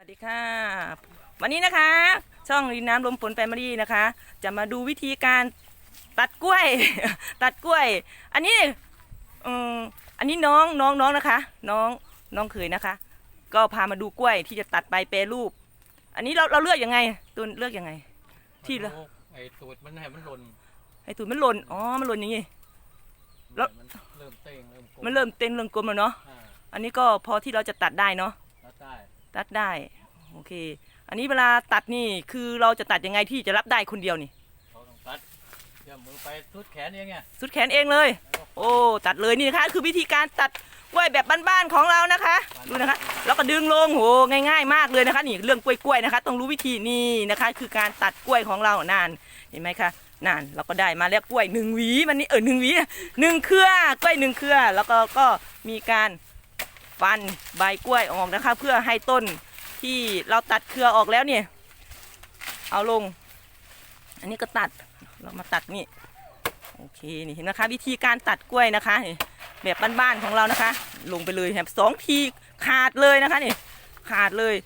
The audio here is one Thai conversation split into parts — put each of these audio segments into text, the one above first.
สวัสดีค่ะวันนี้นะคะช่องรินน้ำลมฝนแฟมิลี่นะคะจะมาดูวิธีการตัดกล้วย ตัดกล้วยอันนี้อันนี้น้องนะคะน้องเขยนะคะก็พามาดูกล้วยที่จะตัดไปแปรรูปอันนี้เราเลือกยังไงตัวเลือกยังไงที่เราไอ้ตูดมันให้มันหล่นให้ตูดมันหล่นอ๋อมันหล่นอย่างงี้แล้วมันเริ่มเต้งเริ่มกลมมันเริ่มเต้นเริ่มกลมแล้วเนาะอันนี้ก็พอที่เราจะตัดได้เนาะตัดได้โอเคอันนี้เวลาตัดนี่คือเราจะตัดยังไงที่จะรับได้คนเดียวนี่เราต้องตัดเชื่อมมือไปสุดแขนเองไงสุดแขนเองเลยโอ้ตัดเลยนี่นะคะคือวิธีการตัดกล้วยแบบบ้านๆของเรานะคะดูนะคะแล้วก็ดึงลงโหง่ายๆมากเลยนะคะนี่เรื่องกล้วยนะคะต้องรู้วิธีนี่นะคะคือการตัดกล้วยของเรานานเห็นไหมคะนานเราก็ได้มาแล้วกล้วย1 หวีมันนี่1 หวี1 เครือกล้วย1 เครือแล้วก็มีการฟันใบกล้วยออกนะคะเพื่อให้ต้นที่เราตัดเครือออกแล้วเนี่ยเอาลงอันนี้ก็ตัดเรามาตัดนี่โอเคนี่เห็นนะคะวิธีการตัดกล้วยนะคะแบบบ้านๆของเรานะคะลงไปเลยแบบ2 ทีขาดเลยนะคะนี่ขาดเลย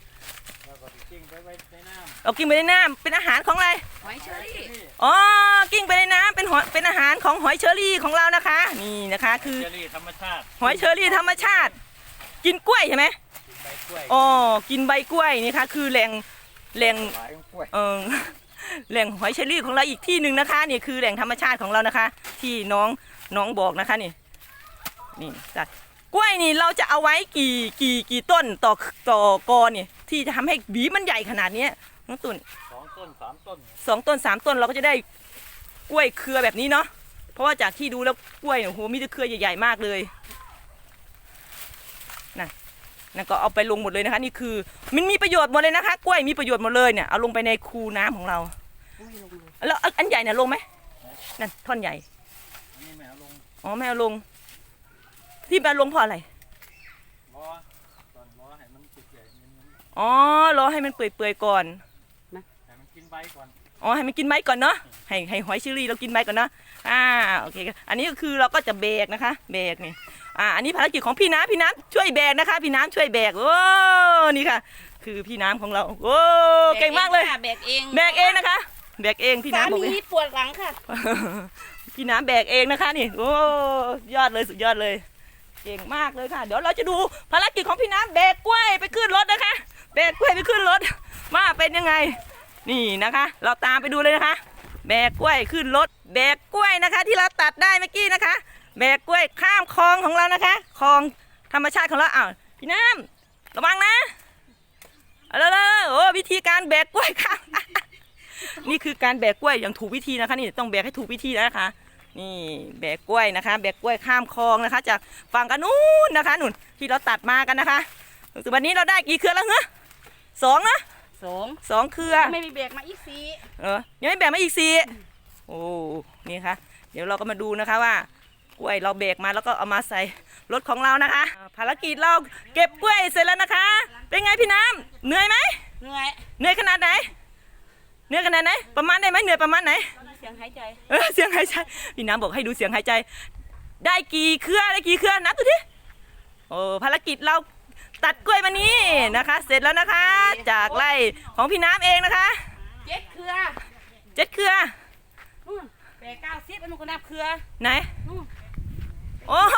เรากิ้งไปในน้ำเป็นอาหารของอะไรหอยเชอรี่อ๋อกิ้งไปในน้ำเป็นอาหารของหอยเชอรี่ของเรานะคะนี่นะคะคือหอยเชอรี่ธรรมชาติหอยเชอรี่ธรรมชาติกินกล้วยใช่ไหมอ๋อกินใบกล้วยนี่ค่ะคือแหล่งแหล่งหอยเชอรี่ของเราอีกที่หนึ่งนะคะนี่คือแหล่งธรรมชาติของเรานะคะที่น้องบอกนะคะนี่จัดกล้วยนี่เราจะเอาไว้กี่ต้นต่อกอนี่ที่จะทำให้หวีมันใหญ่ขนาดนี้น้องตุ่น 2 ต้น 3 ต้น 2 ต้น 3 ต้นเราก็จะได้กล้วยเครือแบบนี้เนาะเพราะว่าจากที่ดูแล้วกล้วยโอ้โหมีแต่เครือใหญ่ๆมากเลยนั่นก็เอาไปลงหมดเลยนะคะนี่คือมันมีประโยชน์หมดเลยนะคะกล้วยมีประโยชน์หมดเลยเนี่ยเอาลงไปในคูน้ำของเราแล้วอันใหญ่เนี่ยลงไหมนั่นท่อนใหญ่ไม่เอาลงอ๋อไม่เอาลงที่มาลงเพราะอะไรรอให้มันติดใหญ่อ๋อรอให้มันเปื่อยๆก่อนนะให้มันกินใบก่อนอ๋อให้มันกินใบก่อนเนาะให้หอยเชอรี่เรากินใบก่อนเนาะโอเคอันนี้ก็คือเราก็จะแบกนะคะแบกนี่อันนี้ภารกิจของพี่น้ำช่วยแบกนะคะพี่น้ำช่วยแบกโอ้นี่ค่ะคือพี่น้ำของเราโอ้เก่งมากเลยแบกเองนะคะแบกเองพี่น้ำบอกเลยปวดหลังค่ะพี่น้ำแบกเองนะคะนี่โอ้ยอดเลยสุดยอดเลยเก่งมากเลยค่ะเดี๋ยวเราจะดูภารกิจของพี่น้ำแบกกล้วยไปขึ้นรถนะคะแบกกล้วยไปขึ้นรถว่าเป็นยังไงนี่นะคะเราตามไปดูเลยนะคะแบกกล้วยขึ้นรถแบกกล้วยนะคะที่เราตัดได้เมื่อกี้นะคะแบกกล้วยข้ามคลองของเรานะคะคลองธรรมชาติของเราพี่น้ำระวังนะโอ้วิธีการแบกกล้วยข้าม นี่คือการแบกกล้วยอย่างถูกวิธีนะคะนี่ต้องแบกให้ถูกวิธีนะคะนี่แบกกล้วยนะคะแบกกล้วยข้ามคลองนะคะจากฝั่งกันนู้นนะคะนู่นที่เราตัดมากันนะคะวันนี้เราได้กี่เครือแล้วเหรอ2นะ2 เครือไม่มีแบกมาอีก 4ยังไม่แบกมาอีก4โอ้นี่ค่ะเดี๋ยวเราก็มาดูนะคะว่ากล้วยเราแบกมาแล้วก็เอามาใส่รถของเรานะคะภารกิจเราเก็บกล้วยเสร็จแล้วนะคะเป็นไงพี่น้ำเหนื่อยไหมเหนื่อยขนาดไหนเหนื่อยขนาดไหนประมาณได้ไหมเหนื่อยประมาณไหนเสียงหายใจเสียงหายใจพี่น้ำบอกให้ดูเสียงหายใจได้กี่เครือนับดูดิโอ้ภารกิจเราตัดกล้วยวันนี้นะคะเสร็จแล้วนะคะจากไร่ของพี่น้ำเองนะคะ 7 เครือแบก90มันก็นับเครือไหนโอ้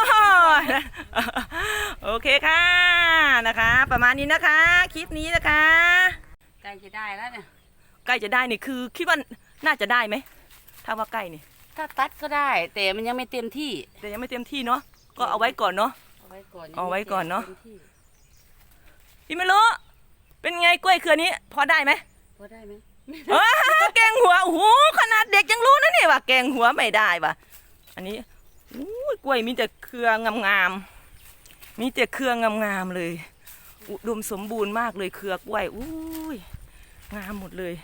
โอเคค่ะนะคะประมาณนี้นะคะคลิปนี้นะคะใกล้จะได้แล้วเนี่ยใกล้จะได้นี่คือคิดว่าน่าจะได้ไหมถ้าว่าใกล้นี่ถ้าตัดก็ได้แต่มันยังไม่เต็มที่เนาะก็เอาไว้ก่อนเนาะเอาไว้ก่อนเนาะพี่ไม่รู้เป็นไงกล้วยเครือนี้พอได้ไหมแกงหัวโอ้โหขนาดเด็กยังรู้นะนี่ว่าแกงหัวไม่ได้ว่ะอันนี้กล้วยมีแต่เครืองามๆเลยอุดมสมบูรณ์มากเลยเครือกล้วยงามหมดเลย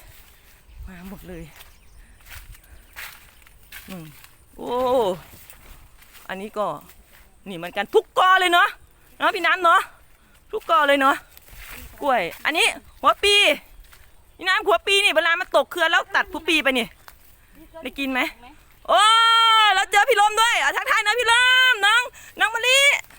โอ้อันนี้ก็นี่เหมือนกันทุกกอเลยเนาะพี่น้ำเนาะทุกกอเลยเนาะกล้วยอันนี้หัวปีพี่น้ำหัวปีนี่เวลามันตกเครือแล้วตัดหัวปีไปนี่ได้กินไหมโอ้แล้วเจอพี่ลมด้วยทักทายนะพี่ลมน้องมะลิ